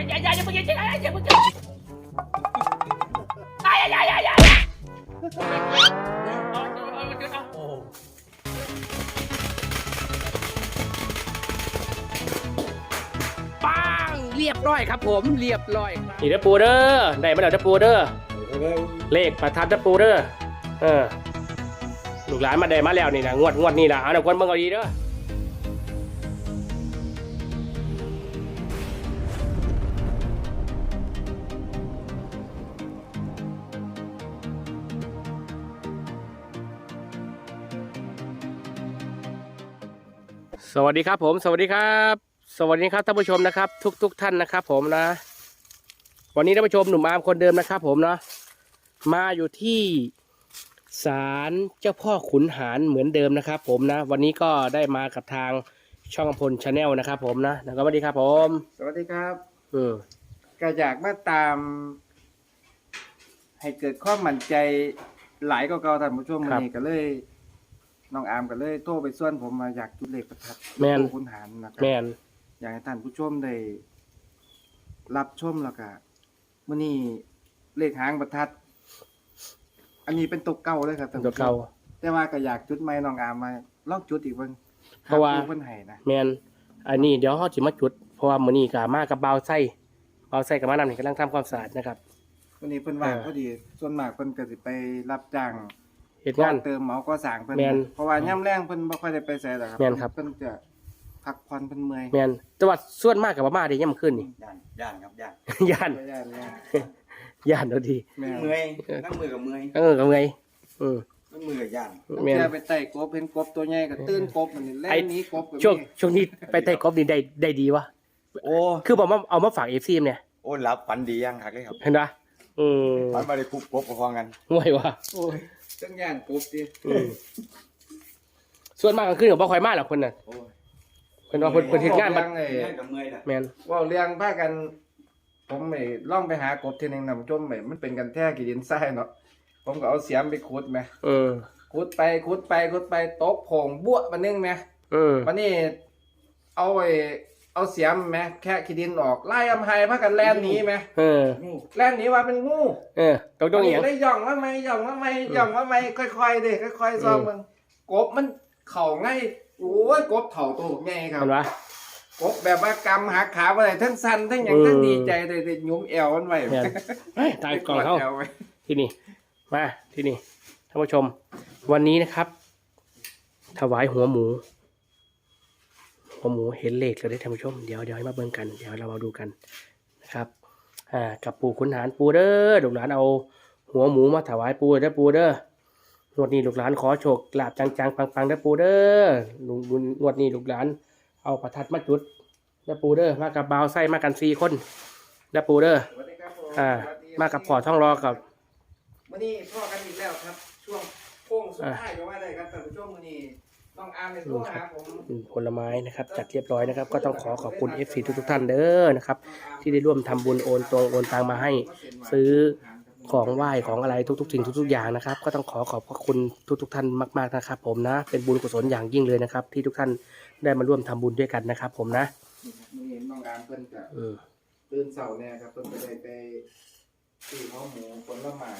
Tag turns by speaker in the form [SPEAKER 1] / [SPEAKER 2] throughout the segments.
[SPEAKER 1] อย่ามึงอย่ามึงอย่าปังเรียบร้อยครับผมเรียบร้อยนี่เด้อปูเด้อได้มาแล้วเด้อปูเด้อเลขประทัดเด้อปูเด้อลูกหลานมาได้มาแล้วนี่นะงวดนี่นะเอาหน่อยคนเบิ่งเอาดีเด้อสวัสดีครับผมสวัสดีครับสวัสดีครับท่านผู้ชมนะครับทุกท่านนะครับผมนะวันนี้ท่านผู้ชมหนุ่มอาร์มคนเดิมนะครับผมนะมาอยู่ที่ศาลเจ้าพ่อขุนหารเหมือนเดิมนะครับผมนะวันนี้ก็ได้มากับทางช่องอำพลชาแนลนะครับผมนะแล้วก็สวัสดีครับผม
[SPEAKER 2] สวัสดีครับก็อยากมาตาม ให้เกิดความมั่นใจหลายก็เก่าท่านผู้ชมวันนี้ก็เลยน้องอาร์มก็เลยโทรไปส่วนผมมาอยากจุดเลขประทัดขุนหารนะครับอยากให้ท่านผู้ชมได้รับชมแล้วก็มื้อนี้เลขหางประทัดอันนี้เป็นตัวเก่าเลยครับท่านผู้ชมแต่ว่าก็อยากจุดใหม่น้องอาร์มมาลองจุดอีกเบิ่ง
[SPEAKER 1] เพราะว่า
[SPEAKER 2] เพิ่นให้นะ
[SPEAKER 1] แม่นอันนี้เดี๋ยวเฮาสิมาจุดเพราะว่ามื้อนี้ก็มากับบ่าวไส้กับมานำนี่กำลังทำความสะอาดนะครับ
[SPEAKER 2] วันนี้เพิ่นว่างพอดีส่วนมากเพิ่นก็สิไปรับจ้าง
[SPEAKER 1] เฮ็ดงาน
[SPEAKER 2] เติมเหมาก่อสร้างเพิ่นเพราะว่าย่ำแรงเพิ่นบ่ค่อยได้ไปไสหรอกครับเพิ่นจะพักผ่อนเพิ่นเมื่อย
[SPEAKER 1] แม่นแต่ว่าส่วนมากก็บ่มาได้ยามคืนนี่
[SPEAKER 3] ย่านครับ
[SPEAKER 1] ย่านเอาดี
[SPEAKER 3] เมื่อยนั่งมือกับเมื่อย
[SPEAKER 1] กับเมื่อย
[SPEAKER 3] นั่งมือกับย่าน
[SPEAKER 2] แม่นไปไต่กบเห็นกบตัวใหญ่ก็ตื่นกบมันแล่นหนีกบ
[SPEAKER 1] ช่วงนี้ไปไต่กบนี่ได้ดีวะ
[SPEAKER 3] โอ้
[SPEAKER 1] คือบอกว่าเอามาฝาก FC เนี่ย
[SPEAKER 3] โอ้รับฝันดียังคักเลยครับ
[SPEAKER 1] เห็นป่ะ
[SPEAKER 3] ฝันบ่ได้คุกกบกับพอกัน
[SPEAKER 1] ห่วยวะ
[SPEAKER 2] โอ้ยจังย่านกบติ
[SPEAKER 1] ส่วนมากก็คือบ่ค่อยมาหรอกคนน่ะเพิ่นว่าเพิ่นเฮ็ดงานบัด
[SPEAKER 3] กับเมื่อยน่ะ
[SPEAKER 1] แม่น
[SPEAKER 2] ว่าเรื่องพากันผมไม่ล่องไปหากบทีนึงนำจมไม่มันเป็นกันแท้กี่ดินทรายเนาะผมก็เอาเสียมไปขุดแม่ขุดไปตกโผงบั้วมันนึงแม่วันนี้เอาเสียมแม่แค่ขี้ดินออกไล่อำไห้พากันแล่นหนีแม่แล่นหนีว่าเป็นงู
[SPEAKER 1] ต้องอีหยัง
[SPEAKER 2] ได้ย่องมาไหมค่อยๆดิค่อยๆซ้อมมึงกบมันเข่าง่ายโอ้ยกบเถ่าตัวง่ายครับ
[SPEAKER 1] เห็นปะ
[SPEAKER 2] กบแบบว่ากำหักขาอะไรทั้งสั้นทั้งอย่างทั้งดีใจเลยยุ้มแอวมันไว้
[SPEAKER 1] ตายกล่องเขาที่นี่มาที่นี่ท่านผู้ชมวันนี้นะครับถวายหัวหมูเห็นเลขแล้วได้ท่านผู้ชมเดี๋ยวให้มาเบิ่งกันเดี๋ยวเรามาดูกันนะครับกับปู่ขุนหารปูเด้อลูกหลานเอาหัวหมูมาถวายปูเด้อปูเด้องวดนี้ลูกหลานขอโชคลาภจังๆปังๆเด้อปูเด้องวดนี้ลูกหลานเอาประทัดมาจุดเด้อปูเด้อมากับบ่าวไส้มากัน4 คนเด้อปูเด้อมากับพ่อท่องรอกับ
[SPEAKER 2] มื้อนี้พ่อกันอีกแล้วครับช่วงโค้งสุดท้ายก็ว่าได้ครับท่านผู้ชมมื้อนี้ต้องอาร์มในตัวหาผม
[SPEAKER 1] ผลไม้นะครับจัดเรียบร้อยนะครับก็ต้องขอบคุณ FC ทุกท่านเด้อนะครับที่ได้ร่วมทำบุญโอนตังมาให้ซื้อของไหว้ของอะไรทุกสิ่งทุกอย่างนะครับก็ต้องขอบพระคุณทุกท่านมากๆนะครับผมนะเป็นบุญกุศลอย่างยิ่งเลยนะครับที่ทุกท่านได้มาร่วมทำบุญด้วยกันนะครับผมนะ
[SPEAKER 2] มื้อนี้น้องอาร์มเพิ่นจะตื่นเช้าแน่ครับเพิ่นจะได้ไปซื้อหัวหมูผลไม้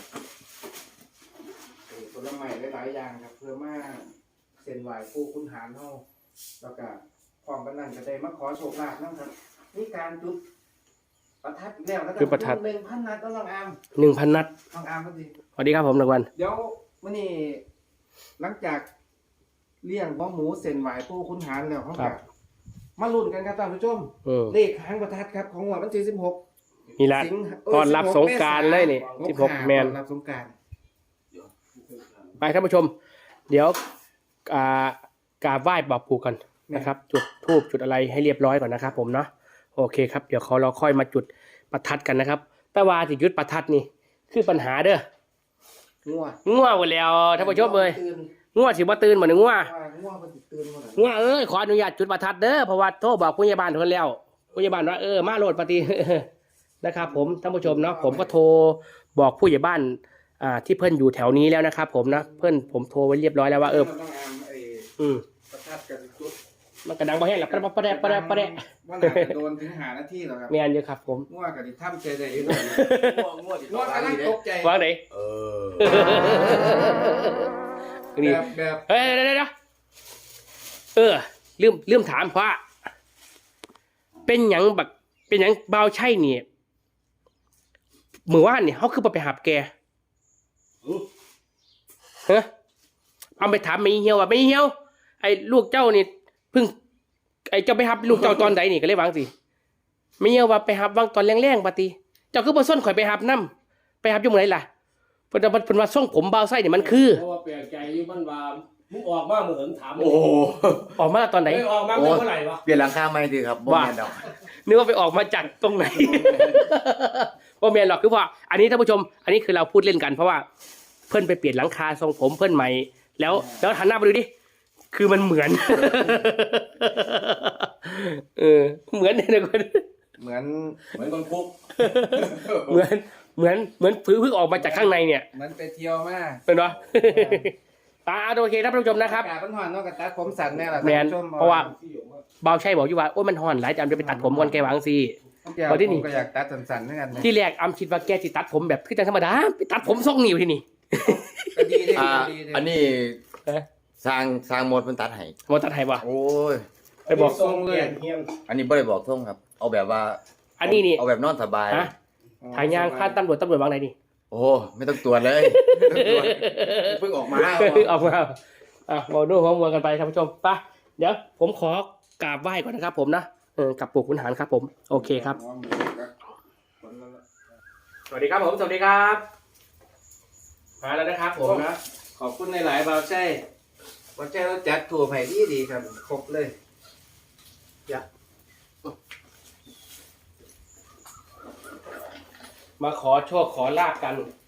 [SPEAKER 2] หลายๆอย่างครับเพื่อมาเส้นไหว้ปู่ขุนหารเฮาแล้วก็พร้อมกันนั้นก็ได้มาขอโชคลาภนำครับนี่การจุดประทัดแล้วนะครับ
[SPEAKER 1] จุดประทัด
[SPEAKER 2] 1,000 นัดต้องน้องอาร์ม
[SPEAKER 1] 1,000 นัด
[SPEAKER 2] น้องอาร์มพอดี
[SPEAKER 1] สวัสดีครับผมรางวัล
[SPEAKER 2] เดี๋ยวมื้อนี้หลังจากเลี้ยงหัวหมูเส้นไหว้ปู่ขุนหารแล้วเฮาก็มาลุ้นกันครับท่านผู้ชมเลขหางประทัดครับของวันที่16
[SPEAKER 1] นี่ล่ะตอนรับสงกรานต์เลยนี่16แม่น
[SPEAKER 2] รับสงกรานต์
[SPEAKER 1] ไปท่านผู้ชมเดี๋ยวกราบไหว้บอกปู่กันนะครับจุดธูปจุดอะไรให้เรียบร้อยก่อนนะครับผมเนาะโอเคครับเดี๋ยวเราค่อยมาจุดประทัดกันนะครับแต่ว่าที่จุดประทัดนี่คือปัญหาเด้อง่วหมดแล้วท่านผู้ชมเลยง่วสิบ่ตื่นเหมือนง่วขออนุญาตจุดประทัดเด้อเพราะว่าโทรบอกผู้ใหญ่บ้านคนแล้วผู้ใหญ่บ้านว่ามาโหลดปฏินะครับผมท่านผู้ชมเนาะผมก็โทรบอกผู้ใหญ่บ้านที่เพิ่นอยู่แถวนี้แล้วนะครับผมนะผมโทรไว้เรียบร้อยแล้วว่าประทัดกับจุดมันกระดังบ่แห้งหรอกประแดะ
[SPEAKER 2] ว่าน่าจะโดนถึง5 นาทีแล้วครับ
[SPEAKER 1] แม่นอยู่ครับผม
[SPEAKER 2] ง่วงกับที่ถ้ำใจได้อยู่ด้วย
[SPEAKER 3] ง่วง
[SPEAKER 2] ง่วงกำลังตกใจ
[SPEAKER 1] วางไหน
[SPEAKER 3] เออ
[SPEAKER 1] นี่
[SPEAKER 2] แบบ
[SPEAKER 1] เฮ้ยเดี๋ยวลืมถามว่าเป็นหยังบักเป็นหยังเบาใช่เนี่ยมื้อวานเนี่ยเขาคือบ่ไปหาแกฮะเอาไปถามไม่เหี่ยวว่าไม่เหี่ยวไอ้ลูกเจ้านี่เพิ่งไอ้เจ้าไปหับลูกเจ้าตอนใดนี่ก็เลยวางสิไม่เหี่ยวว่าไปหับวางตอนแรงๆปฏิเจ้าคือบ่ส้นข่อยไปหับนำไปหับอยู่มื้อไหนล่ะเพิ่นว่าทรงผมเบาไส้นี่มันคือ
[SPEAKER 4] เพราะว่าแปลกใจอยู่มันว่ามึงออกมาเหมือนถาม
[SPEAKER 3] โอ้โห
[SPEAKER 1] ออกมาตอนไหน
[SPEAKER 4] เฮ้ยออกมาเมื่อไหร่วะ
[SPEAKER 3] เปลี่ยนหลังคาใหม่ดีครับบ่แม่นดอก
[SPEAKER 1] นึกว่าไปออกมาจากตรงไหน ว่าแมนหรอกคือว่า อันนี้ท่านผู้ชม อันนี้คือเราพูดเล่นกันเพราะว่าเพื่อนไปเปลี่ยนหลังคาทรงผมเพื่อนใหม่ แล้วหันหน้าไปดูดิคือมันเหมือน เหมือนเนี่ยนะคน
[SPEAKER 2] เหมือน
[SPEAKER 3] เหมือนคนคุก
[SPEAKER 1] เหมือนเพิ่งออกมาจากข้างในเนี่ย
[SPEAKER 2] มันไปเที่ยวมา
[SPEAKER 1] เป็นปะ ตาโอเคท่านผู้ชมนะครับ
[SPEAKER 2] อากาศมันร้อนเนาะกับตัดผมสั้นแน่ล่ะ
[SPEAKER 1] แมน
[SPEAKER 2] ท่ผู้ช
[SPEAKER 1] เพราะว่าเบาใช่บอกอยู่ว่าโอ้ยมันห่อนหลายจำจะไปตัดผมก่อนแกวางสิ
[SPEAKER 2] เดี๋ยว
[SPEAKER 1] พอที่นี่
[SPEAKER 2] ผมก็อยากตัดสั้นๆเหมือนกันนะ
[SPEAKER 1] ที่แรกอำคิดว่าแกจะตัดผมแบบคือจังธรรมดาไปตัดผมทรงนิ้วที่นี่
[SPEAKER 2] ก็ดีเด้
[SPEAKER 3] อ่า
[SPEAKER 2] ดีเด้
[SPEAKER 3] อันนี้
[SPEAKER 1] เอ๊ะ
[SPEAKER 3] สร้างหมดมันตัดให้
[SPEAKER 1] หมดตัดไทยวะ
[SPEAKER 3] โอ้ย
[SPEAKER 1] ไปบอก
[SPEAKER 2] ทรงเลย
[SPEAKER 3] อันนี้บ่ได้บอกท่งครับ เอาแบบว่า
[SPEAKER 1] อันนี้นี่
[SPEAKER 3] เอาแบบนอนสบาย
[SPEAKER 1] ฮะถ่ายยางข้าตำรวจวางไหนนี่
[SPEAKER 3] โอ้ไม่ต้องตรวจเลยเพิ่งออกมา
[SPEAKER 1] ออกมาบอกนู่นของมัวกันไปท่านผู้ชมไปเดี๋ยวผมขอกราบไหว้ก่อนนะครับผมนะกับปู่ขุนหารครับผมโอเคครับ สวัสดีครับผมสวัสดีครับมาแล้วนะครับผมนะ
[SPEAKER 2] ขอบคุณในหลายๆบ่าวใช่บ่าวใช่เราจัดถั่วไผ่ดีครับครบเลย
[SPEAKER 1] มาขอโชคขอลาบกัน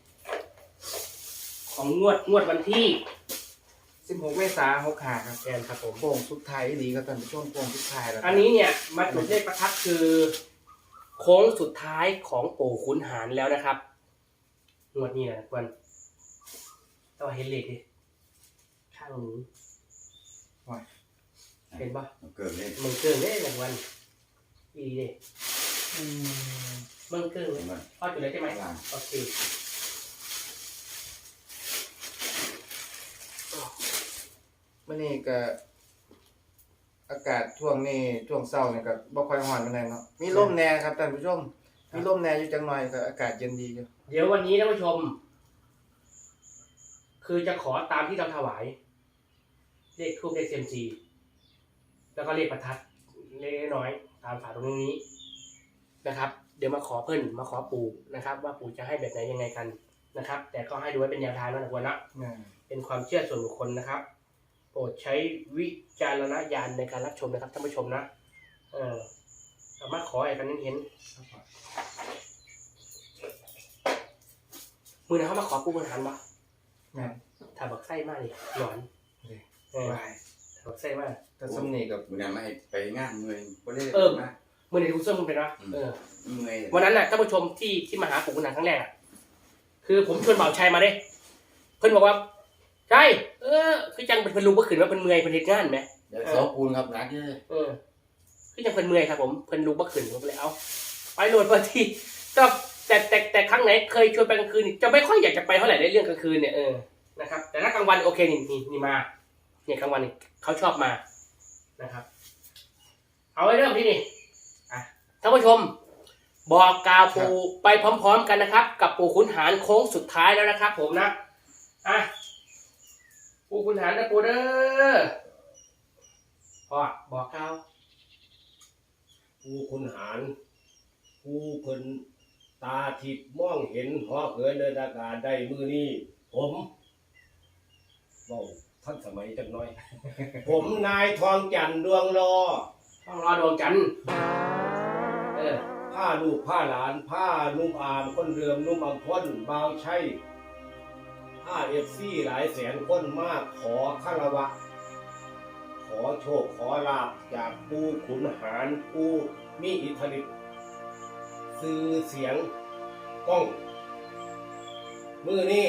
[SPEAKER 1] ของงวดวันที่
[SPEAKER 2] 16 เมษายน65ครับ
[SPEAKER 1] แทนครับผม
[SPEAKER 2] โป่งสุดท้ายดีครับท่านผู้ชมโป่งสุดท้ายแล้ว
[SPEAKER 1] อันนี้เนี่ยมาจุดเลขประทัดคือ โค้งสุดท้ายของปู่ขุนหารแล้วนะครับงวดนี้นะควรต้องเห็นเลขดิข้างนี้เห็นปะ
[SPEAKER 3] เกิดเล่น
[SPEAKER 1] มึงเกินเลยหนึ่งวันอีเด้มึงเกินเลยพ่อจุดเลยใช่ไหมโอเค
[SPEAKER 2] มื้อนี้ก็อากาศช่วงนี้ช่วงเช้านี่ก็บ่ค่อยร้อนปานใดเนาะมีลมแน่ครับท่านผู้ชมมีลมแน่อยู่จังหน่อยก็อากาศเย็นดีอยู่
[SPEAKER 1] เดี๋ยววันนี้ท่านผู้ชม คือจะขอตามที่เราถวาย เลขทูปเลขเซมซีแล้วก็เลขประทัดเล็กน้อยตามฝาตรงนี้นะครับ เดี๋ยวมาขอเพิ่นมาขอปู่นะครับ ว่าปู่จะให้แบบไหนยังไงกันนะครับ แต่ก็ให้ดูไว้เป็นแนวทางนะทุกคนนะ เป็นความเชื่อส่วนบุคคลนะครับ โปรดใช้วิจารณญาณในการรับชมนะครับท่านผู้ชมนะสามารถขออะไรกันเห็นมือนะเขามาขอปูบนหันปะ
[SPEAKER 2] แม่น
[SPEAKER 1] ถ้าบักไส้มากเลยหลอนถ้าบักไส้มาก
[SPEAKER 2] แต่สำนีกับ
[SPEAKER 3] มื้อนั้นมาให้ไปงานเมืองบ่ได้มา
[SPEAKER 1] มือในทุกเสื้อมันเป็นวะ
[SPEAKER 3] เมื่อย
[SPEAKER 1] วันนั้นแหละท่านผู้ชมที่มาหาปู่ขุนหารครั้งแรกอะคือผมชวนบ่าวชัยมาเด้เพิ่นบอกว่าใช่คือจังเป็นเพิ่นรู้ว่าขืนว่าเพิ่นเมื่อยเพิ่นเฮ็ดงานไหม
[SPEAKER 3] เดี๋ยวสอปูนครับนักเด้อ
[SPEAKER 1] คือจังเพิ่นเมื่อยครับผมเพิ่นรู้ว่าขืนผมก็เลยเอาไปโหลดพอทีแต่ครั้งไหนเคยชวนไปกลางคืนนี่จะไม่ค่อยอยากจะไปเท่าไหร่ในเรื่องกลางคืนเนี่ยนะครับ แต่ถ้ากลางวันโอเคนี่มาเนี่ยกลางวันนี่เขาชอบมานะครับ เอาไว้เริ่มที่นี่ท่านผู้ชม บอกกล่าวปู่ไปพร้อมๆกันนะครับ กับปู่ขุนหารโค้งสุดท้ายแล้วนะครับ ผมนะปู่ขุนหารนะปู่เด้อพ่อบอกกล่าว
[SPEAKER 4] กูคุณหารกูเพิ่นตาทิพย์มองเห็นหอเหินเดินอากาศได้มือนี้ผมท่านสมัยจังน้อย ผมนายทองจันทร์ดวงรอ
[SPEAKER 1] ต้องรอดวงจันทร์
[SPEAKER 4] ผ้าลูกผ้าหลานผ้านุ่มอามคนเรืองนุ่มอัมพลบาวใช่ผ้าFCหลายแสนคนมากขอคารวะ ขอโชคขอลาภจากผู้ขุนหารผู้มีอิทธิฤทธิ์สื่อเสียงกล้องมือนี้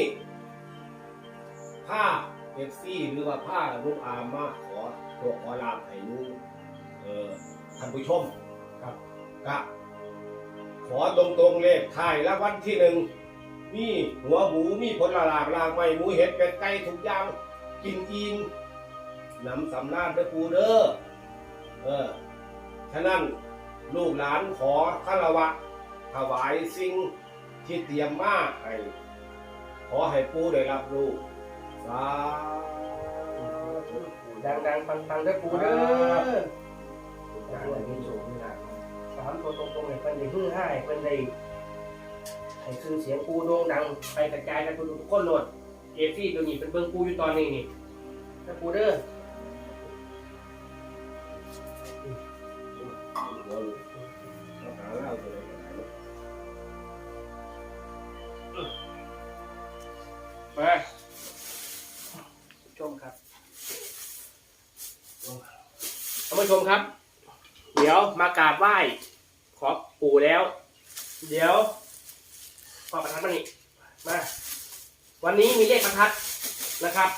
[SPEAKER 4] ผ้าFCหรือว่าผ้าลูกอามมาขอโชคขอลาภให้ลูกท่านผู้ชมครับก็ขอตรงๆเลขท้ายรางวัลที่หนึ่งมีหัวหมูมีผลละลากลางไม้หมูเห็ดเป็ดไก่ทุกอย่างกินอิ่มนำสำราญเด้อปูเด้อฉะนั้นลูกหลานขอคารวะถวายสิ่งที่เตรียมมาให้ขอให้ปูได้รับรู้สาธุ
[SPEAKER 1] ดังๆปังๆเด้อปูเด้อ
[SPEAKER 2] การได้มีโชคมีลาภ
[SPEAKER 1] สามตัวตรงๆเนี่ยเพิ่นได้ฮือฮาให้เพิ่นได้ให้ชื่อเสียงปูโด่งดังไปกระจายกันทุกคนโหลดเอฟซี่ตัวนี้เป็นเบิ่งปูอยู่ตอนนี้นี่เด้อปูเด้อมาชมครับท่านผู้ชมครับ เดี๋ยวมากราบไหว้ขอปู่แล้ว เดี๋ยวขอประทัดมานี่มาวันนี้มีเลขประทัดนะครับ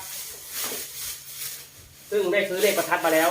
[SPEAKER 1] ซึ่งได้ซื้อเลขประทัดมาแล้ว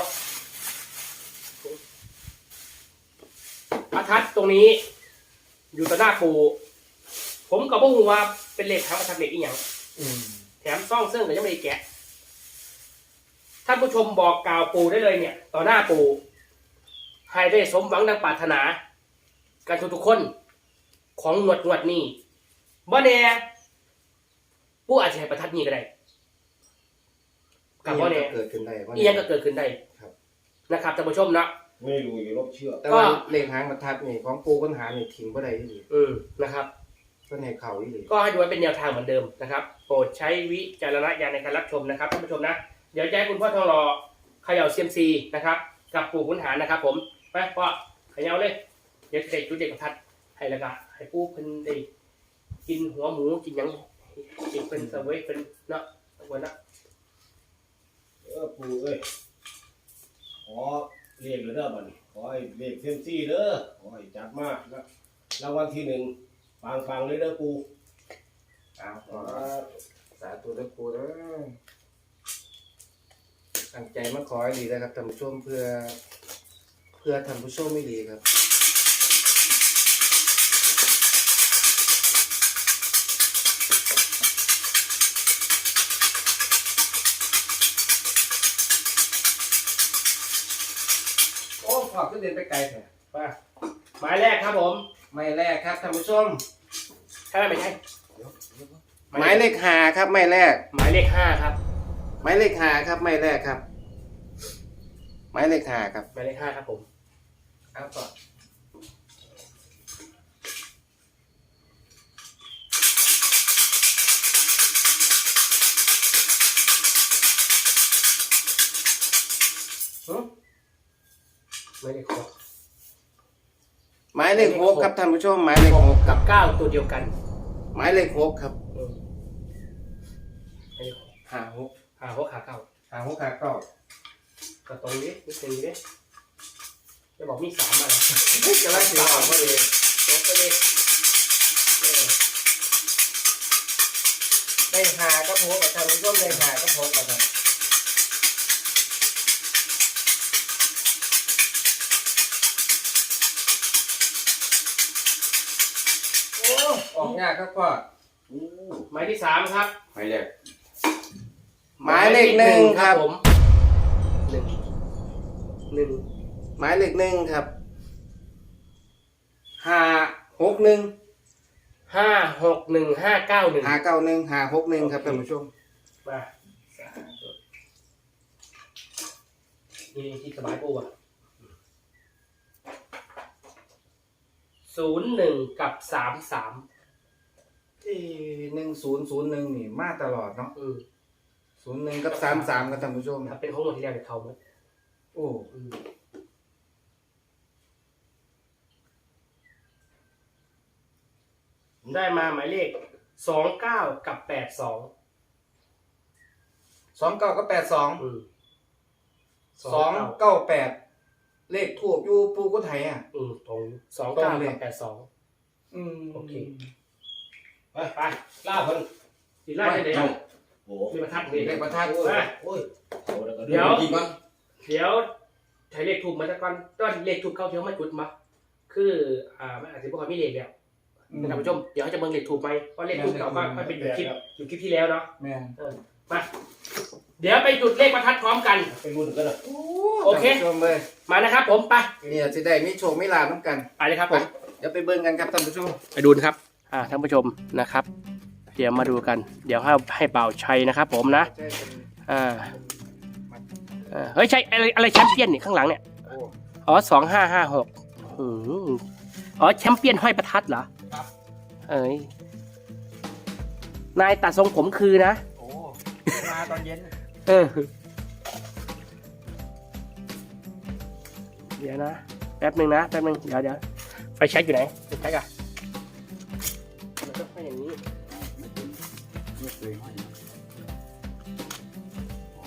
[SPEAKER 1] ประทัดตรงนี้ อยู่ต่อหน้าปู่ผมกับพวกหัวเป็นเลขทางประทัดเลขอีกอย่างแถมซ่องซึ่งก็ยังไม่ได้แกะท่านผู้ชมบอกกล่าวปู่ได้เลยเนี่ย ต่อหน้าปู่ให้ได้สมหวังดังปรารถนากันทุกคนของงวดนี้บ่แน่ผู้อาจจะให้ประทัดนี้ก็ได้กับบ่แน่
[SPEAKER 2] เกิดขึ้นได้
[SPEAKER 1] อีหยังก็เกิดขึ้นได้
[SPEAKER 2] ครับ
[SPEAKER 1] นะครับท่านผู้ชมเนาะ
[SPEAKER 4] ไม่รู้อย่าลบเชื่อ
[SPEAKER 2] แต่ว่าเลขหางประทัดนี่ของปูปัญหานี่ทิ้งบ่ได้อีหลี
[SPEAKER 1] นะครับ
[SPEAKER 2] เพิ่นให้เข้าอีหลี
[SPEAKER 1] ก็ให้ดูไว้เป็นแนวทางเหมือนเดิมนะครับโปรดใช้วิจารณญาณในการรับชมนะครับท่านผู้ชมนะเดี๋ยวจะให้คุณพ่อทองรอเขย่าเซียมซีนะครับกับปู่ขุนหารนะครับผมไปพ่อเขย่าเลยเดี๋ยวจะได้จุดเด็กประทัดให้แล้วก็ให้ปู่เพิ่นได้กินหัวหมูกินหยังกินเป็นเสวยเป็นเนาะวันนะ
[SPEAKER 4] ปูเอ้ยขอเรียกเลยเด้อบัดนี้ขอให้เลขเซมซี่เด้อขอให้จับมากนะรางวัลที่หนึ่งฟังเลยเด้อปู
[SPEAKER 2] เอาขอสาธุเด้อปูเด้อตั้งใจมาขอให้ดีนะครับท่านผู้ชมเพื่อท่านผู้ชมไม่ดีครับโอ้ขอบขึ้นเดินไปไกลเถอะ
[SPEAKER 1] ไปหมายแรกครับผม
[SPEAKER 2] ไม่แรกครับท่านผู้ชม
[SPEAKER 1] ใช่ไหมไม่ใช่
[SPEAKER 2] หมายเลขห้าครับไม่แรก
[SPEAKER 1] หมายเลข5ครับ
[SPEAKER 2] หมายเลขห้าครับไม่แรกครับหมายเลขห้าครับ
[SPEAKER 1] หมายเลข5ครับผม
[SPEAKER 2] เอาก่อน
[SPEAKER 1] หมายเลข6
[SPEAKER 2] หมายเลขหกครับท่านผู้ชมหมายเลขหกค
[SPEAKER 1] กั
[SPEAKER 2] รับบ
[SPEAKER 1] 9ตัวเดียวกัน
[SPEAKER 2] หมายเลขหกครับ
[SPEAKER 1] หมายเลข
[SPEAKER 2] ห้าหก
[SPEAKER 1] 6 5 6 5 9
[SPEAKER 2] ห้าหกห้าเก้า
[SPEAKER 1] ก็ตรงนี้นิดนึงดิจะบอกมี3มาแล้ว
[SPEAKER 2] จะไล่เสียงออกมาเลย
[SPEAKER 1] จบไปเลย
[SPEAKER 2] ได้หาก็โพสกับท่านผู้ชมได้หาก็โพสกับท่านโอ้ออกยากครับพ่อ
[SPEAKER 1] หมายที่3ครับ
[SPEAKER 3] ไม่แรก
[SPEAKER 2] หมายเลขหนึ่งครับ
[SPEAKER 1] ผมหนึ่ง
[SPEAKER 2] หมายเลขหนึ่งครับห้าหกหนึ่ง
[SPEAKER 1] 5 6 1 5 9 1
[SPEAKER 2] ห้าเก้าหนึ่งห้าหกหนึ่งครับท่านผู้ชม
[SPEAKER 1] มานี่ที่สบายปูอ่ะ01 กับ 33
[SPEAKER 2] 1001นี่มาตลอดเนาะ01กับ33ครับท่านผู้ชม
[SPEAKER 1] ถ้าเป็นของหมดที่แล้วเนี่ยเขาหมด
[SPEAKER 2] โอ้
[SPEAKER 1] ได้มาหมายเลข29 กับ 82
[SPEAKER 2] 29กับ82 298เลขถูกอยู่ปูกุไทยอ่ะ
[SPEAKER 1] ตรง29 กับ 82 โอเค ไปล่าเพิ่นสิล่าได้เดี๋ยว
[SPEAKER 4] โอ้
[SPEAKER 1] มีประทัดมี
[SPEAKER 2] เลขประทัด
[SPEAKER 4] โอ้ยโอ้ยโอ้แล้วก็
[SPEAKER 1] เดี๋ยว
[SPEAKER 3] กี่บ้าง
[SPEAKER 1] เดี๋ยวใช้เลขถูกมาแต่ก่อนตอนเลขถูกเข้าเที่ยวมาจุดมาคือมันอาจจะบอกว่ามีเลขแล้วท่านผู้ชมเดี๋ยวเขาจะเบิ่งเลขถูกไหมเพราะเลขถูกเก่าก็เป็นอยู่คลิปที่แล้วเนาะ
[SPEAKER 2] แม่น
[SPEAKER 1] มาเดี๋ยวไปจุดเลขประทัดพร้อมกัน
[SPEAKER 4] ไปรุ่นกันเลย
[SPEAKER 1] โอเค
[SPEAKER 2] ท่านผู้ชมเลย
[SPEAKER 1] มานะครับผมไป
[SPEAKER 2] เนี่ยสิได้มีโชคมีลาภนํกัน
[SPEAKER 1] ไปเลยครับผม
[SPEAKER 2] เดี๋ยวไปเบิ่งกันครับท่านผู้ชม
[SPEAKER 1] ไปดูนะครับท่านผู้ชมนะครับ เดี๋ยวมาดูกัน เดี๋ยวให้เป่าชัยนะครับผมนะ
[SPEAKER 2] ใช่เป็น
[SPEAKER 1] เฮ้ยใช่อะไรแชมเปี้ยนนี่ข้างหลังเนี่ย
[SPEAKER 2] โอ้
[SPEAKER 1] อ๋อ2556อ๋อแชมเปี้ยนห้อยประทัดเหรอ
[SPEAKER 2] ครับ
[SPEAKER 1] เอ้ยนายตัดทรงผมคือนะ
[SPEAKER 2] โอ้มาตอนเย็น
[SPEAKER 1] เดี๋ยวนะแป๊บนึงเดี๋ยวไฟแช็กอยู่ไหนไฟแช็กอะมันต้องเป็นอย่างนี้
[SPEAKER 3] ไม่เคยให้อ๋อ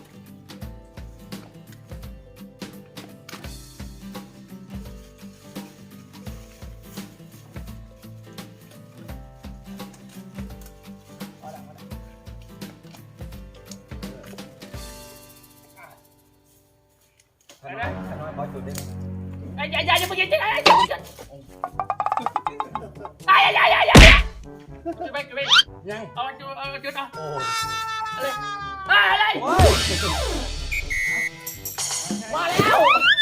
[SPEAKER 1] อย่าเพิ่งอย่าไป
[SPEAKER 3] ยัง
[SPEAKER 1] เอาจุดเอา
[SPEAKER 3] โอ้
[SPEAKER 1] อะไรมาแล้ว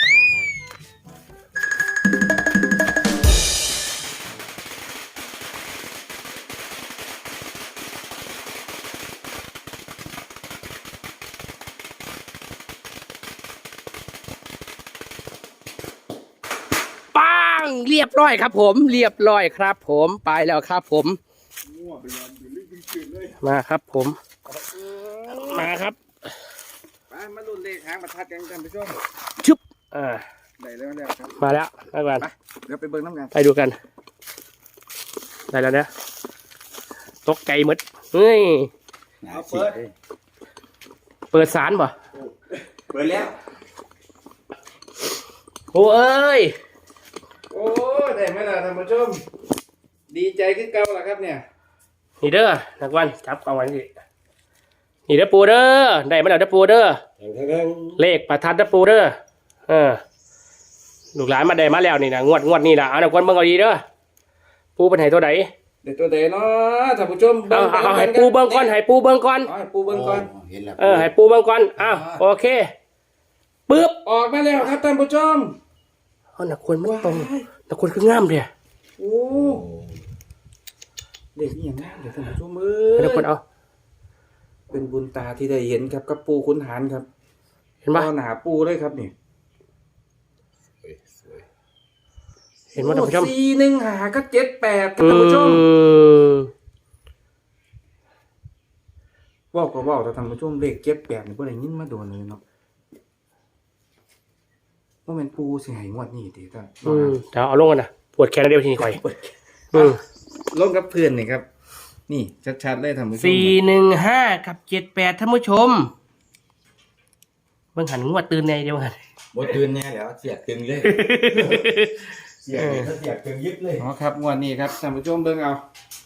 [SPEAKER 1] ปังเรียบร้อยครับผมเรียบร้อยครับผมไปแล้วครับผมมาครับผมมาครับ
[SPEAKER 2] ไปมาลุ้นเลขหางประทัดกันท่านผู้ชม
[SPEAKER 1] ชุบ
[SPEAKER 2] ได้แล้วครับ
[SPEAKER 1] มาแล้วมาก่อน
[SPEAKER 2] เดี๋ยวไปเบิ่งน้ำกัน
[SPEAKER 1] ไปดูกันได้แล้วเนี่ยตกใจหมดเฮ้ย
[SPEAKER 3] เอาเปิด
[SPEAKER 1] เปิดสารป่ะ
[SPEAKER 3] เปิดแล้ว
[SPEAKER 1] โอ้เอ้ย
[SPEAKER 2] โอ้ได้ไหมล่ะท่านผู้ชมดีใจขึ้นเก่าล่ะครับเนี่ย
[SPEAKER 1] นี่เด้อนักวันจับกองไว้สินี่เด้อปูเด้อได้มาแล้วเด้อปูเด้อ
[SPEAKER 4] แทง
[SPEAKER 1] เลขประทัดเด้อปูเด้อลูกหลานมาได้มาแล้วนี่นะงวดนี่นะเอาหนักวันเบิ่งเอาดีเด้อปูเป็นไห้ตัวไหน
[SPEAKER 2] เด็กตัวเดเนาะท่านผู้ชม
[SPEAKER 1] เอาให้ปูเบิ่งก่อนให้ปูเบิ่งก่อน
[SPEAKER 2] ให้ปูเบิ่งก่อน
[SPEAKER 3] เห็นแล้ว
[SPEAKER 1] ให้ปูเบิ่งก่อนอ้าวโอเคปึ๊บ
[SPEAKER 2] ออกมาแล้วครับท่านผู้ชม
[SPEAKER 1] เอาหนักควรมันตรงหนักควรคืองามเดีย
[SPEAKER 2] โอ้เด็กนี่อย่างนั้นเดี๋ยวท่านผู้ชมเอ้
[SPEAKER 1] หนักควร
[SPEAKER 2] ย
[SPEAKER 1] เอา
[SPEAKER 2] เป็นบุญตาที่ได้เห็นครับกับปูขุนหารครับ
[SPEAKER 1] เห็นปะ
[SPEAKER 2] ต่อหนาปูเลยครับนี่
[SPEAKER 3] สวย
[SPEAKER 1] เห็นว่าท่านผู้ชม
[SPEAKER 2] 415ก็78ครับท่านผู้ชมว่าก็ว่าแต่ท่านผู้ชมเลข78นี่บ่ได้ยินมาโดนเลยเนาะว่าเป็นปูสิให้งวดนี้ติท่าน
[SPEAKER 1] เดี๋ยวเอาลงกันนะปวดแขนเดียวทีนี้ข่อย
[SPEAKER 2] ลงกับเพื่อนนี่ครับ นี่ชัดๆเลยท่านผู้ชม
[SPEAKER 1] 415กับ78ท่านผู้ชมเบิ่งหันงวดตื่นในเดียวกัน
[SPEAKER 3] บ่ตื่นแน่แล้วเสียตึงเลย
[SPEAKER 4] เสียงตึงยึดเลย
[SPEAKER 2] อ๋อครับงวดนี้ครับท่านผู้ชมเบิ่งเอา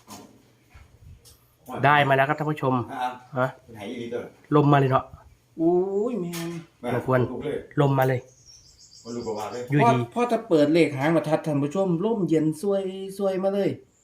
[SPEAKER 1] ได้มาแล้วครับท่านผู้ชมฮะ
[SPEAKER 3] ไหนอีลีตัว
[SPEAKER 1] ลมมาเลยเนาะ
[SPEAKER 2] อุ้ยแม่น
[SPEAKER 1] ลมมาเลย
[SPEAKER 3] มันรู้ว่าเลย
[SPEAKER 1] อยู่ดี
[SPEAKER 2] พ่อจะเปิดเลขหางประทัดท่านผู้ชมร่มเย็นซวยมาเลย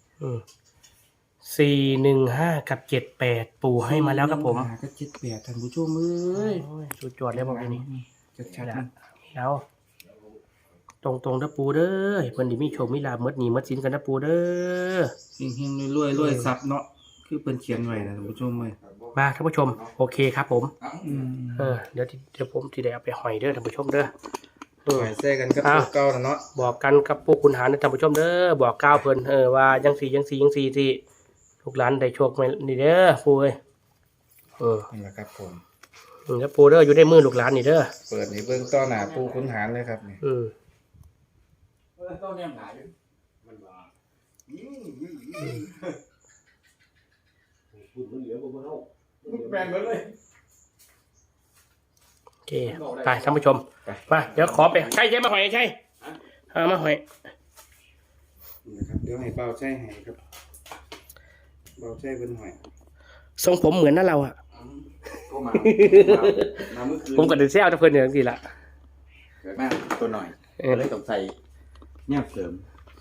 [SPEAKER 1] 415กับ78ปู่ให้มาแล้วครับผม
[SPEAKER 2] ก็78ท่านผู้ชมเอ้ย
[SPEAKER 1] สุดยอดเลยบอกนี้
[SPEAKER 2] ชัดๆนะ
[SPEAKER 1] แล้วตรงๆนะปูเด้อให้เพิ่นได้มีโชคมีลาภหมดหนี้หมดสินกันนะปูเด้อ
[SPEAKER 2] เฮงๆรวยๆซับเนาะคือเพิ่นเขียนไว้นะท่านผู้ชมเอ้ย
[SPEAKER 1] มาท่านผู้ชมโอเคครับผม
[SPEAKER 2] อืม
[SPEAKER 1] เดี๋ยวผมสิได้เอาไปห้อยเด้อท่านผู้ชมเด้อ
[SPEAKER 2] ไว้แซ่กันกับตัวเก่าน่ะเนาะ
[SPEAKER 1] บอกกันกับพวกคุณหารนะท่านผู้ชมเด้อบอกกล่าวเพิ่นว่าจังสี่ที่ลูกหลานได้โชคมานี่เด้อปูเอ้ย
[SPEAKER 2] นี่แหละครับผม
[SPEAKER 1] แล้วปูเด้ออยู่ในมือลูกหลานนี่เด้อ
[SPEAKER 2] เปิดให้เบิ่งต่อหน้าปูขุนหารเลยครับนี่
[SPEAKER 3] ต้องเนี่ยหาย
[SPEAKER 4] มันว่าคุณมันเหลือบ่เฮา
[SPEAKER 3] แบนเลย
[SPEAKER 1] โอเคไปท่านผู้ชมมาเดี๋ยวขอไปใช่มาหอยใช่มาหอย
[SPEAKER 2] นะครับเดี๋ยวให้เบาใช้ให้ครับเบาใช้เพิ่นหอย
[SPEAKER 1] ทรงผมเหมือนนั่นเราอะ
[SPEAKER 3] ก็มาเมื่อคืน
[SPEAKER 1] ผมก็เดินเซลจะเพิ่นอย่างนี้ละ
[SPEAKER 3] เกิดมาตัวหน่อย
[SPEAKER 1] เออ
[SPEAKER 3] เลยต้องใส่เนี่ยเสริม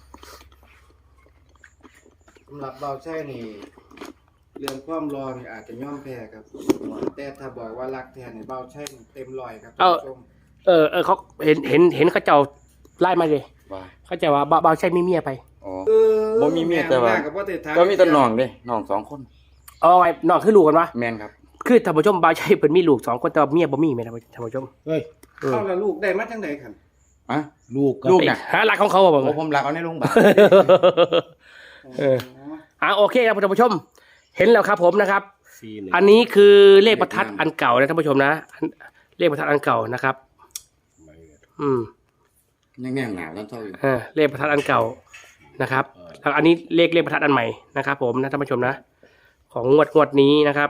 [SPEAKER 2] สำหรับเบาใช่นี่เรื่องความรอนี่อาจจะย่อมแพ้ครับแต่ถ้าบอกว่ารักแท้นี่เบาใช่นี่เต็มร้อยครับท่านผู้ชม
[SPEAKER 1] เขาเห็นเขาเจ้าไล่มาเลย
[SPEAKER 3] ว่า
[SPEAKER 1] เขาจะว่าเบาใช่มีเมียไป
[SPEAKER 3] อ๋อ บ่มีเมียแต่ว่า
[SPEAKER 2] กับบ่ได้ถาม
[SPEAKER 3] ก็มีแต่น้องเด้น้อง2 คน
[SPEAKER 1] เอาไงน้องคือลูกกันวะ
[SPEAKER 3] แม่นครับ
[SPEAKER 1] คือท่านผู้ชมเบาใช่เพิ่นมีลูก2คนแต่ว่าเมียบ่มีแม่นท่านผู้ชม
[SPEAKER 4] เฮ้ย
[SPEAKER 2] เอาละลูกได้มาจังได๋คั่น
[SPEAKER 3] อ่ะ
[SPEAKER 4] ลูกกับ
[SPEAKER 3] ลูกน่ะ
[SPEAKER 1] หาหลักของเขาบ่
[SPEAKER 3] โอ้
[SPEAKER 1] บ่
[SPEAKER 3] ผมรักเอาในโรงพยาบาล
[SPEAKER 1] โอเคครับท่านผู้ชม เห็นแล้วครับผมนะครับ
[SPEAKER 4] 4-1
[SPEAKER 1] อันนี้คือเลขประทัดอันเก่านะท่านผู้ชมนะเลขประทัดอันเก่านะครับ อืม
[SPEAKER 3] ยังแน่หนาแล้วเท่าอยู่
[SPEAKER 1] เลขประทัดอันเก่านะครับแล้วอันนี้เลขประทัดอันใหม่นะครับผมนะท่านผู้ชมนะ ของงวดนี้นะครับ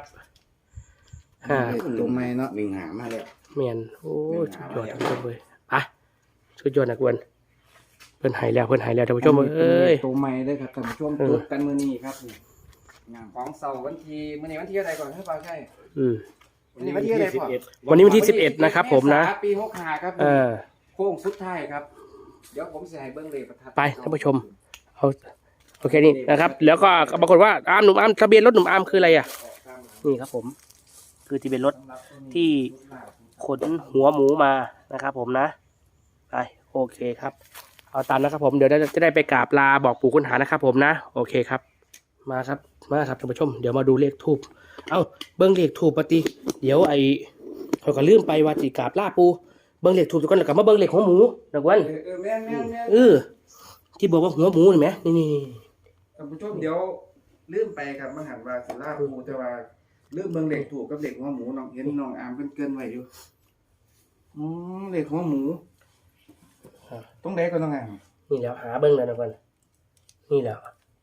[SPEAKER 2] ตัวใหม่เนาะ
[SPEAKER 3] 1หามาแล้ว
[SPEAKER 1] เมียนโอ้สุดยอดท่านผู้ชมเลยไปสุดยอดนะกวนเพิ่นหายแล้วท่านผู้ชมเอ้ย
[SPEAKER 2] ตัวใหม่เด้อครับท่านผู้ชม
[SPEAKER 1] เออ
[SPEAKER 2] จดกันมื้อนี้ครับนี่งานของเสาร์วันที่มื้อนี้วันที่อะไรก่อนครับเบาใช่
[SPEAKER 1] อืม
[SPEAKER 2] วันนี้วันที่อะไรพ่อ
[SPEAKER 1] วันนี้วันที่11นะครับผมนะ
[SPEAKER 2] เษายปี65ครับ โค้งสุดท้ายครับ เดี๋ยวผมจะให้เบิ้งเลขประทัด
[SPEAKER 1] ไปท่านผู้ชม เอาโอเคนี่นะครับ แล้วก็ปรากฏว่าหนุ่มอาร์มทะเบียนรถหนุ่มอาร์มคืออะไรอ่ะ นี่ครับผม คือทะเบียนรถที่ขนหัวหมูมานะครับผมนะไปโอเคครับ เอาตามนะครับผมเดี๋ยวจะได้ไปกราบลาบอกปู่คุณหานะครับผมนะโอเคครับ มาครับท่านผู้ชม เดี๋ยวมาดูเลขทูบเอาเบิ้งเลขทูบปฏิเดี๋ยวเขาก็ลืมไปว่าจีกราบลาปูเบิ้งเลขทูบทุกคนแล้วก็มาเบิ้งเลขหัวหมูนะกวน
[SPEAKER 2] แม่น
[SPEAKER 1] ที่บอกว่าหัวหมูเห็นไหมนี่
[SPEAKER 2] ท่านผู้ชมเดี๋ยวลืมไปครับมหันต์ว่าสิลาปูแต่ว่าลืมเบิ้งเลขถูกกับเลขหัวหมูน้องเห็นน้องอามเกินไว้อยู่เลขหัวหมูต้องได้ก็ต้องอาม
[SPEAKER 1] นี่แล้วหาเบิ้งเลยนะกวนนี่แล้ว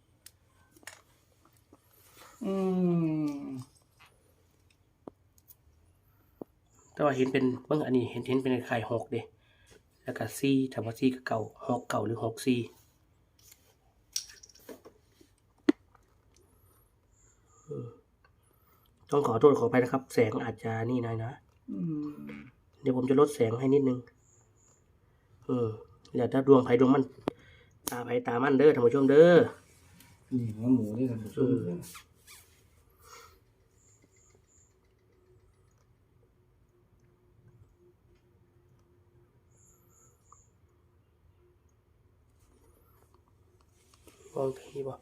[SPEAKER 1] แต่ว่าเห็นเป็นเบิ้งอันนี้เห็นเป็นไข่6เด้แล้วก็ซีถามว่าซีกับเก่า6เก่าหรือ6ซีต้องขอโทษขออภัยนะครับ แสงอาจจะนี่หน่อยนะเดี๋ยวผมจะลดแสงให้นิดนึงแล้วถ้าดวงไผ่ดวงมันตาไผ่ตามันเด้อท่านผู้ชมเด้อ
[SPEAKER 2] นี่หัวหมูนี่ท่านผู้ชม
[SPEAKER 1] มองทีบ่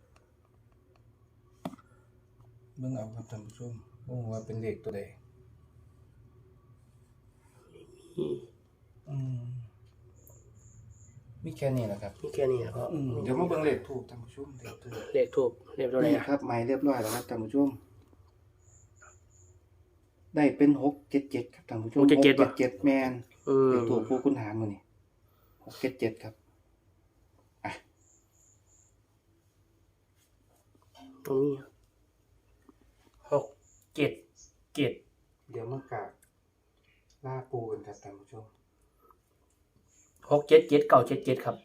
[SPEAKER 2] เบิ่งเอาครับท่านผู้ชมว่าเป็นเลขตัวใดมีแค่นี้แหละครับ
[SPEAKER 1] นี่แค่นี้นะพ่อ
[SPEAKER 2] เดี๋ยวมาเบิ่งเลขถูกท่านผู้ชม
[SPEAKER 1] เลขทูบเลขตัวไหน
[SPEAKER 2] นี่
[SPEAKER 1] อ่ะ
[SPEAKER 2] ครับหมายเรียบร้อยแล้วครับท่านผู้ชมได้เป็น677ครับท่านผู้ชม677แมนเลขถูกผู้คุณหารมื้อนี้677ครับ
[SPEAKER 1] ตรงนี้6 7 7
[SPEAKER 2] เดี๋ยวมากราบลาปูกันครับท่านผู้ชม
[SPEAKER 1] 6 7 7 9 7 7ครับ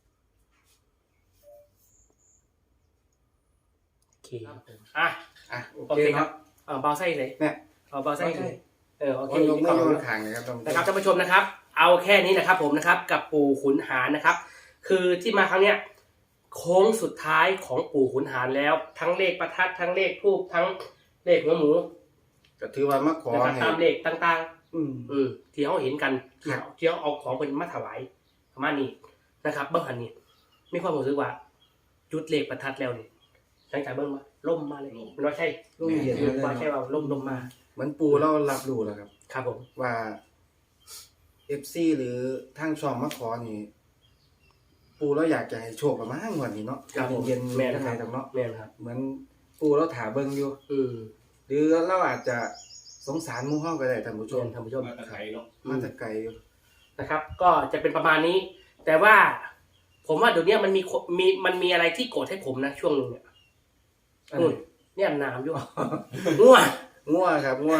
[SPEAKER 1] โอเคโอเคครับเบาไส้เลย
[SPEAKER 2] เนี่ย
[SPEAKER 1] เบาไส้เลยโอเค
[SPEAKER 2] ยกมือยกขางนะครับท่านผู้ชม
[SPEAKER 1] นะครับท่านผู้ชมนะครับ เอาแค่นี้นะครับผมนะครับ กับปู่ขุนหารนะครับ คือที่มาครั้งเนี้ยโค้งสุดท้ายของปู่ขุนหารแล้ว ทั้งเลขประทัดทั้งเลขทูบทั้งเลขหัวหมู
[SPEAKER 2] ก็ถือว่ามาขอ
[SPEAKER 1] นะครับ
[SPEAKER 2] ให้
[SPEAKER 1] ตามเลขต่างๆที่เขาเห็นกันที่เขาเอาของเป็นมาถวายประมาณนี้นะครับเบื้องหันนี้มีความรู้สึกว่าจุดเลขประทัดแล้วนี่หลังจากเบื้องมาล่มมาเลยมันว่าใช่
[SPEAKER 2] ร่มเย็น
[SPEAKER 1] ว่าใช่ว่าล่มมา
[SPEAKER 2] เหมือนปูเรารับรู้แล้วครับ
[SPEAKER 1] ครับผม
[SPEAKER 2] ว่า FC หรือทางช่องมาขอนี่ปูเราอยากจะให้โชคประมาณวันนี้เนาะเย็นๆ
[SPEAKER 1] แม่
[SPEAKER 2] นะ
[SPEAKER 1] นะ
[SPEAKER 2] ค
[SPEAKER 1] ค
[SPEAKER 2] รั
[SPEAKER 1] รั
[SPEAKER 2] บบ เนาะ
[SPEAKER 1] แม่นะครับ
[SPEAKER 2] เหมือนปูเราถาเบิ่งอยู่หรือเราอาจจะสงสารหมู่เฮาก็ได้ท่านผู้ชม
[SPEAKER 1] ท่านผู้ชม
[SPEAKER 4] มาตะไคร้เนาะ
[SPEAKER 2] มาแต่ไกลอยู่
[SPEAKER 1] นะครับ ก็จะเป็นประมาณนี้ แต่ว่า ผมว่าเดี๋ยวนี้มันมีอะไรที่โกรธให้ผมนะช่วงนึงเนี่ยเนี่ยน้ำอยู่ง่ว
[SPEAKER 2] งัวครับงัว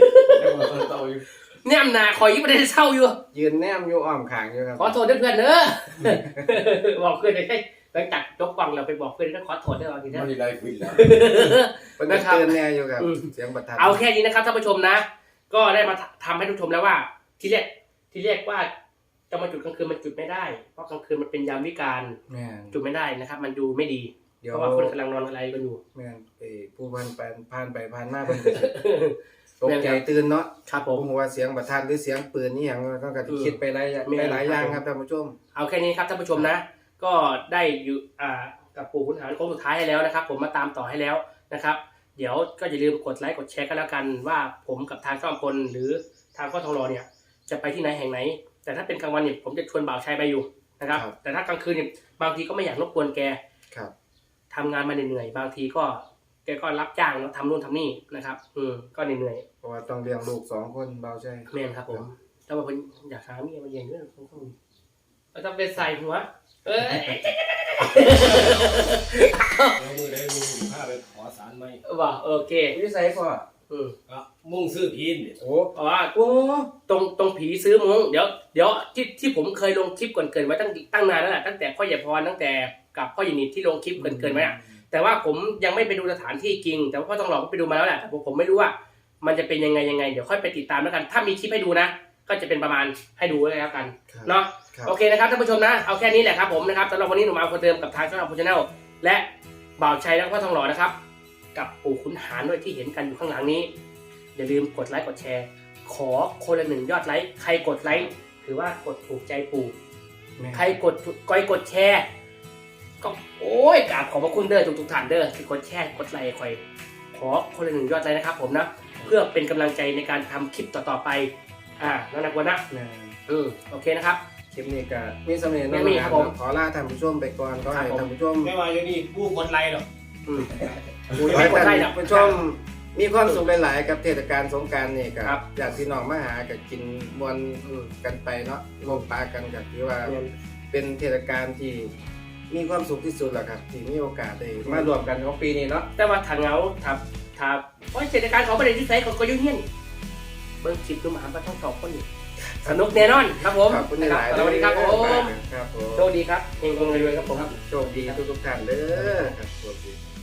[SPEAKER 1] เนี่ยนาคอยยิ่งไม่ได้เศร้าอยู่
[SPEAKER 2] ยืนแนมอยู่อ้อมข้างอยู่ครับ
[SPEAKER 1] ขอโทษด้วยเพื่อนเนอะบอกเพื่อนเลยหลังจากจบฟังเราไปบอกเพื่อนก็ขอโทษด้วยเราทีนี้
[SPEAKER 3] ไม่ได้คุยแล้ว
[SPEAKER 2] เป็นก็เตือนแน่อยู่ครับเสียงประทัด
[SPEAKER 1] เอาแค่นี้นะครับท่านผู้ชมนะ ก็ได้มาทำให้ทุกชมแล้วว่าที่เรียกว่าจะมาจุดกลางคืนมันจุดไม่ได้เพราะกลางคืนมันเป็นยามวิกาล
[SPEAKER 2] แม่น
[SPEAKER 1] จุดไม่ได้นะครับ มันดูไม่ดี
[SPEAKER 2] เดี๋ยว
[SPEAKER 1] เพราะว่าคนกำลังนอนอะไรกันอยู่
[SPEAKER 2] แม่นผู้ผ่านไปผ่านมาเพิ่นก็สิตกใจตื่นเนาะ
[SPEAKER 1] ครับผ
[SPEAKER 2] ผม มว่าเสียงประทัดหรือเสียงปืนนี่หยังก็สิคิดไปหลายอย่างครับท่านผู้ชม
[SPEAKER 1] เอาแค่นี้ครับท่านผู้ชมนะ ก็ได้อยู่กับปู่ขุนหารโค้งสุดท้ายให้แล้วนะครับ ผมมาตามต่อให้แล้วนะครับ เดี๋ยวก็อย่าลืมกดไลค์กดแชร์กันแล้วกันว่าผมกับทางช่องพลหรือทางพ่อทองรอเนี่ยจะไปที่ไหนแห่งไหน แต่ถ้าเป็นกลางวันเนี่ยผมจะชวนบ่าวชัยไปอยู่นะครับ
[SPEAKER 2] ครับ
[SPEAKER 1] แต่ถ้ากลางคืนเนี่ยบางทีก็ไม่อยากรบกวนแก
[SPEAKER 2] ครับ
[SPEAKER 1] ทำงานมาเหนื่อยๆบางทีก็แกก็รับจ้างแล้วทำนู่นทำนี่นะครับก็เหนื่อย
[SPEAKER 2] เพราะว่าต้องเลี้ยงลูก2คนเบาใจ
[SPEAKER 1] ๆแม่นครับผมแต่ว่าผมอยากหาเมียมาเย็นด้วยต้องเราต้องไปใส่หัวเอ้ย
[SPEAKER 4] แล้วมือได้ลุงพาไปขอสารไหม
[SPEAKER 1] ว่าโอเค
[SPEAKER 2] วิสัยพ่อ
[SPEAKER 4] ก็มุ่งซื้อพีนเนี่ย
[SPEAKER 2] โอ้
[SPEAKER 1] อ๋อตรงผีซื้อมุ้งเดี๋ยวที่ผมเคยลงคลิปก่อนเกินไว้ตั้งนานแล้วแหละตั้งแต่พ่อใหญ่พรตั้งแต่กับพ่อหยินิดที่ลงคลิปเกินไว้อะแต่ว่าผมยังไม่ไปดูสถานที่จริงแต่ว่าพ่อต้องหลอกก็ไปดูมาแล้วแหละแต่ผมไม่รู้ว่ามันจะเป็นยังไงเดี๋ยวค่อยไปติดตามแล้วกัน ถ้ามีคลิปให้ดูนะ ก็จะเป็นประมาณให้ดูเลยแล้วกันเนาะ
[SPEAKER 2] ครับ
[SPEAKER 1] โอเคนะครับท่านผู้ชมนะเอาแค่นี้แหละครับผมนะครับสำหรับวันนี้หนุ่มอาร์มคนเดิมกับทางช่องพูชแนลและบ่าวชัยและพ่อทองหล่อนะครับ กับปู่ขุนหารด้วยที่เห็นกันอยู่ข้างหลังนี้ อย่าลืมกดไลค์กดแชร์ ขอคนละ1 ยอดไลค์ใครกดไลค์ถือว่ากดถูกใจปู่ใครกดแชร์ก็โอ้ยกราบขอบพระคุณเด้อทุกท่านเด้อที่กดแชร์กดไลค์คอยขอคนละ1 ยอดไลค์นะครับผมนะเพื่อเป็นกำลังใจในการทำคลิปต่อๆไปน้องนักวันนะ
[SPEAKER 2] แม่น
[SPEAKER 1] โอเคนะครับ
[SPEAKER 2] คลิปนี้ก็มีสำเร็จ
[SPEAKER 1] ไม่มีครับผม
[SPEAKER 2] ขอลาท่านผู้ชมไปก่อนก็ให้ท่านผู้ชม
[SPEAKER 4] ไม่ว่าอย่างนี้ผู้กดไลค์หรอก
[SPEAKER 2] ขอให้
[SPEAKER 1] กดไล
[SPEAKER 2] ท่าน
[SPEAKER 1] ค์นะ
[SPEAKER 2] ผู้ชมมีความสุขหลายๆกับเทศกาลสงกรานต์นี่
[SPEAKER 1] ครั
[SPEAKER 2] กับบ ญาติพี่น้องมาหากับกินมวนกันไปเนาะร่วมปากันกับที่ว่าเป็นเทศกาลที่มีความสุขที่สุดแหละครับที่มีโอกาสได้มารวมกันของปีนี้เนาะ
[SPEAKER 1] แต่ว่าถ้าเหงาถ้าเพราะเศรษฐการของประเทศที่ใส่ของก็ยุ่งเงี้ยเบิ้งคลิปดูมาหาทั้ง2 คนนี่สนุกแน่นอนครับผม
[SPEAKER 2] ขอบคุณหลาย
[SPEAKER 1] สวัสดีครับผม
[SPEAKER 2] ครับผม
[SPEAKER 1] โชคดีครับเฮงๆรวยๆครับผม
[SPEAKER 2] โชคดีทุกๆท่านเด้อครับโชคดี